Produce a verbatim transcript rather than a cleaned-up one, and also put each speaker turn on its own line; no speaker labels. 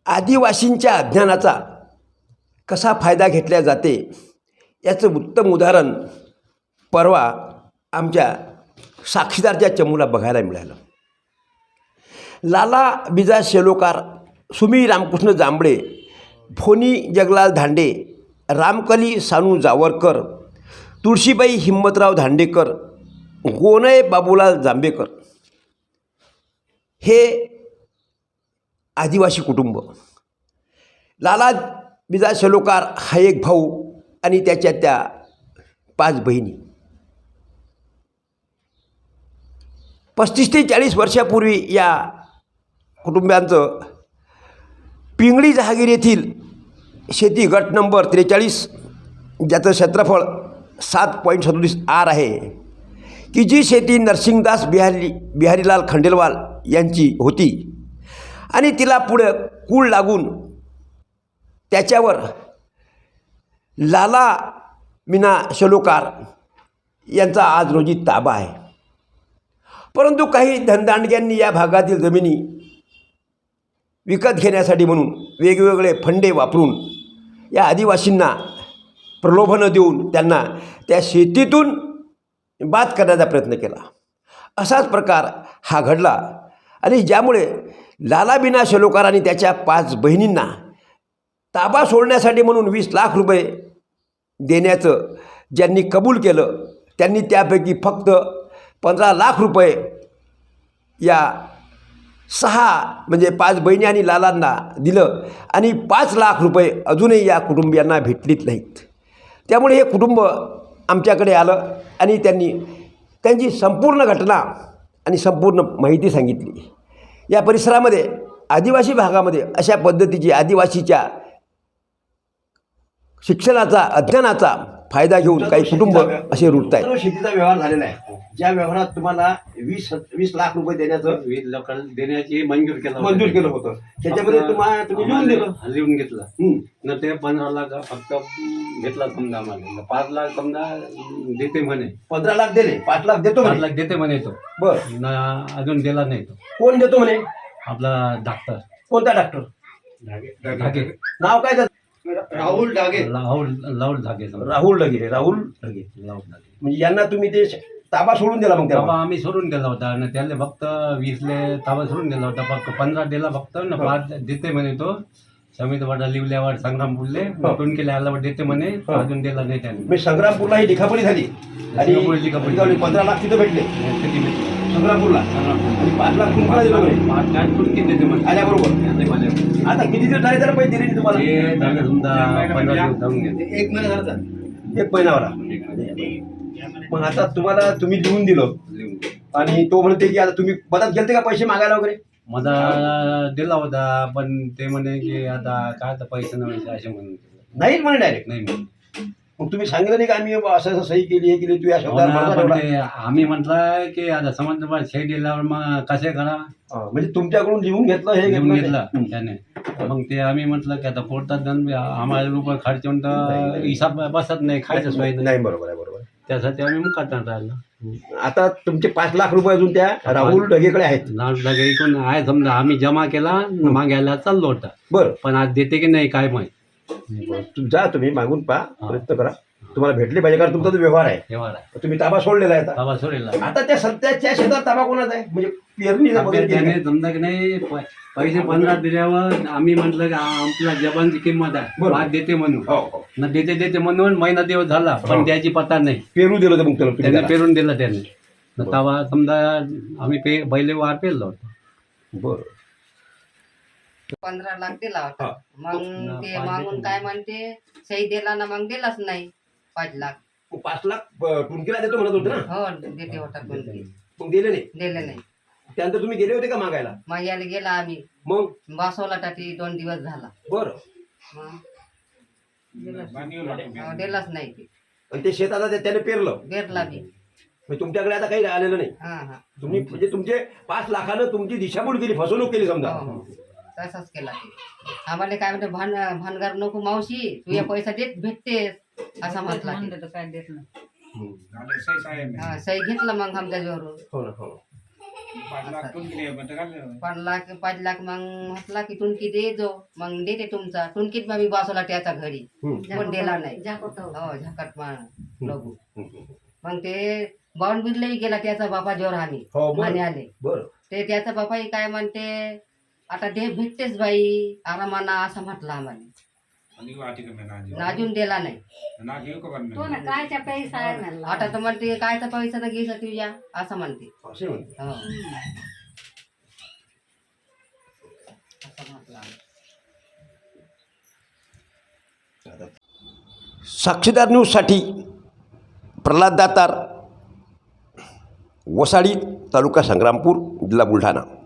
आदिवासींच्या अज्ञानाचा कसा फायदा घेतला जाते याचं उत्तम उदाहरण परवा आमच्या साक्षीदारच्या चमूला बघायला मिळालं. लाला बिजा शेलोकार, सुमी रामकृष्ण जांभळे, फोनी जगलाल धांडे, रामकली सानू जावरकर, तुळशीबाई हिम्मतराव धांडेकर, गोनय बाबूलाल जांभेकर हे आदिवासी कुटुंब. लाला बिजा शेलोकार हा एक भाऊ आणि त्याच्या त्या पाच बहिणी. पस्तीस ते चाळीस वर्षापूर्वी या कुटुंबांचं पिंगळी जहागीर येथील शेती गट नंबर त्रेचाळीस, ज्याचं क्षेत्रफळ सात पॉईंट सदोतीस आर आहे, की जी शेती नरसिंगदास बिहारी बिहारीलाल खंडेलवाल यांची होती आणि तिला पुढं कूळ लागून त्याच्यावर लाला मीना शेलोकार यांचा आज रोजी ताबा आहे. परंतु काही धनदांडग्यांनी या भागातील जमिनी विकत घेण्यासाठी म्हणून वेगवेगळे फंडे वापरून या आदिवासींना प्रलोभनं देऊन त्यांना त्या शेतीतून बाद करण्याचा प्रयत्न केला. असाच प्रकार हा घडला आणि ज्यामुळे लाला बिना शेलोकार आणि त्याच्या पाच बहिणींना ताबा सोडण्यासाठी म्हणून वीस लाख रुपये देण्याचं ज्यांनी कबूल केलं त्यांनी त्यापैकी फक्त पंधरा लाख रुपये या सहा म्हणजे पाच बहिणी आणि लालांना दिलं आणि पाच लाख रुपये अजूनही या कुटुंबियांना भेटलीच नाहीत. त्यामुळे हे कुटुंब आमच्याकडे आलं आणि त्यांनी त्यांची संपूर्ण घटना आणि संपूर्ण माहिती सांगितली. या परिसरामध्ये आदिवासी भागामध्ये अशा पद्धतीची आदिवासीच्या शिक्षणाचा अध्ययनाचा फायदा घेऊन काही कुटुंब असे रुळत आहेत.
सर्व शेतीचा व्यवहार झालेला आहे, ज्या व्यवहारात तुम्हाला वीस वीस लाख रुपये देण्याचं
वीस लोकांना देण्याची मंजूर केलं
मंजूर केलं होतं. त्याच्यामध्ये तुम्हाला तुम्ही लिहून दिलं
लिहून घेतलं
हं.
न ते पंधरा लाख फक्त घेतला समजा आम्हाला. पाच लाख समजा देते म्हणे,
पंधरा लाख दिले, पाच लाख देतो
पाच
म्हणे.
लाख देते म्हणे तो
बर,
न अजून दिला नाही तो.
कोण देतो म्हणे?
आपला डॉक्टर
कोणता डॉक्टर?
धागे,
नाव काय त्याचं? राहुल डागे.
लाऊड लाऊड धागे समजा.
राहुल डगे राहुल डगे
लाऊड धागे.
म्हणजे यांना तुम्ही ते ताबा सोडून दिला मग
ताबा
तेव्हा?
आम्ही सोडून दिला होता आणि त्याला फक्त वीसले ताबा सोडून दिला होता. फक्त पंधरा दिला फक्त न पाच देते म्हणे तो. समित वाडा लिवल्यावर संग्रामपूरले टोनकेला आल्यावर देते म्हणे, अजून दिला नाही त्याने.
मी संग्रामपूरला ही लिखापडी झाली आणि
लिखापडी- लिखापडी.
पंधरा लाख तिथं भेटले
किती भेटले?
संग्रामपूरला आणि पाच लाख तुम्हाला दिलं म्हणे
पाच लाख टोनके देते म्हणे.
आल्याबरोबर.
आले माझ्या.
आता किती दिवस झाले तर पैसे दिले नाही तुम्हाला?
हे झालं समजा पंधरा दिवस जाऊन गेले.
एक महिना झाला, एक महिनाभरा. मग आता तुम्हाला तुम्ही लिहून दिलं आणि तो म्हणते की आता तुम्ही मदत गेलते का पैसे मागायला वगैरे?
मला दिला होता पण ते म्हणे की आता काय आता पैसे नाही असे म्हणून
नाही म्हणे डायरेक्ट.
नाही म्हणे.
मग तुम्ही सांगितलं नाही का आम्ही असं असं सही केली हे केली, तू या
हो
शब्दावर
ना,
भरोसा
पण
ठेवला?
ते आम्ही म्हटलं की आता समज शे दिल्यावर मग कसे करा
हा, म्हणजे तुमच्याकडून लिहून घेतलं हे
घेऊन
घेतलं
घेतलं
ते.
त्याने. मग ते आम्ही म्हटलं की आता पोटात जाऊन आम्हाला रुपये खर्च होऊन तर हिसाब बसत नाही, खायचं सोय नाही.
नाही, बरोबर आहे, बरोबर आहे.
त्यासाठी आम्ही मग काढणार राहिलो.
आता तुमचे पाच लाख रुपये अजून त्या राहुल ढगेकडे आहेत.
लाख लाख एकूण आहे समजा. आम्ही जमा केला मागायला चाललो होता,
बरं,
पण आज देते की नाही काय माहित.
तू जा, तुम्ही मागून पहा, प्रयत्न करा, तुम्हाला भेटले पाहिजे कारण तुमचा जो व्यवहार आहे
व्यवहार आहे
तुम्ही ताबा सोडलेला आहे आता.
बाबा सोडेला.
आता त्या सध्याच्या शेतात ताबा कोणाचा आहे? म्हणजे पेरणीचा वगैरे केली
त्याने
आहे?
समजा की नाही प- पैसे पंधरा दिल्यावर आम्ही म्हटलं की आपल्या जबानची किंमत आहे,
बरोबर.
आज देते म्हणून.
हो, हो.
न देते देते म्हणून महिना दिवस झाला पण
हो.
त्याची पत्ता नाही.
पेरू दिलं होतं मग त्याला तुम्ही
त्याने
त्याला.
पेरून दिला त्याने. न तवा समजा आम्ही पे पहिले वार पेरलो होतो.
बरं.
पंधरा लाख दिला होता.
हा.
मग ते मागून काय म्हणते सही दिला ना, मग दिलाच नाही पाच लाख.
मग पाच लाख अं, टुनकीला देतो म्हणत होते ना,
हो देते होता कोण ते.
मग दिले नाही.
दिले नाही.
त्यानंतर तुम्ही गेले होते का मागायला?
मग याला गेला आम्ही
मग
बसवला टाटी दोन दिवस झाला.
बरं.
मग दिलाच हो, दिलाच नाही ते.
आणि ते शेत आता ते- त्याने पेरलं,
बेरला बी.
म्हणजे तुमच्याकडे आता काही आलेलं नाही.
हा हा
तुम्ही म्हणजे तुमचे पाच लाखानं तुमची दिशाभूल केली, फसवणूक केली समजा.
हो हो तसाच केला ते. आम्हाला काय म्हणते भान भानगार नको मावशी, तू या पैसा देत भेटतेस असा म्हटला ते.
काय देत नाही.
हम्म.
हा, सही घेतला मग आमच्या जोरून.
हो ना, हो.
पाच लाख पाच लाख मग म्हटला की टुनकी दे जो मग देते तुमचा टुनकीत मग मी बसवला त्याचा घरी पण दिला नाही हो झाकट मा लगू मग ते बावून बिरलाही गेला त्याचा बापा जोर आम्ही
हो, बरं.
म्हणे आले
बरं
ते त्याचा बापाही काय म्हणते आता दे भेटतेच बाई आरामाना असं म्हटलं आम्हाला नाजून दिला नाही
कायचा पैसा आहे म्हणला
आता तर म्हणते कायचा पैसा तर घ्यायचा तुझ्या असं म्हणते
असे म्हणते
हो असं म्हटलं आम्ही.
साक्षीदार न्यूजसाठी प्रल्हाद दातार, वसाडी, तालुका संग्रामपूर, जिल्हा बुलढाणा.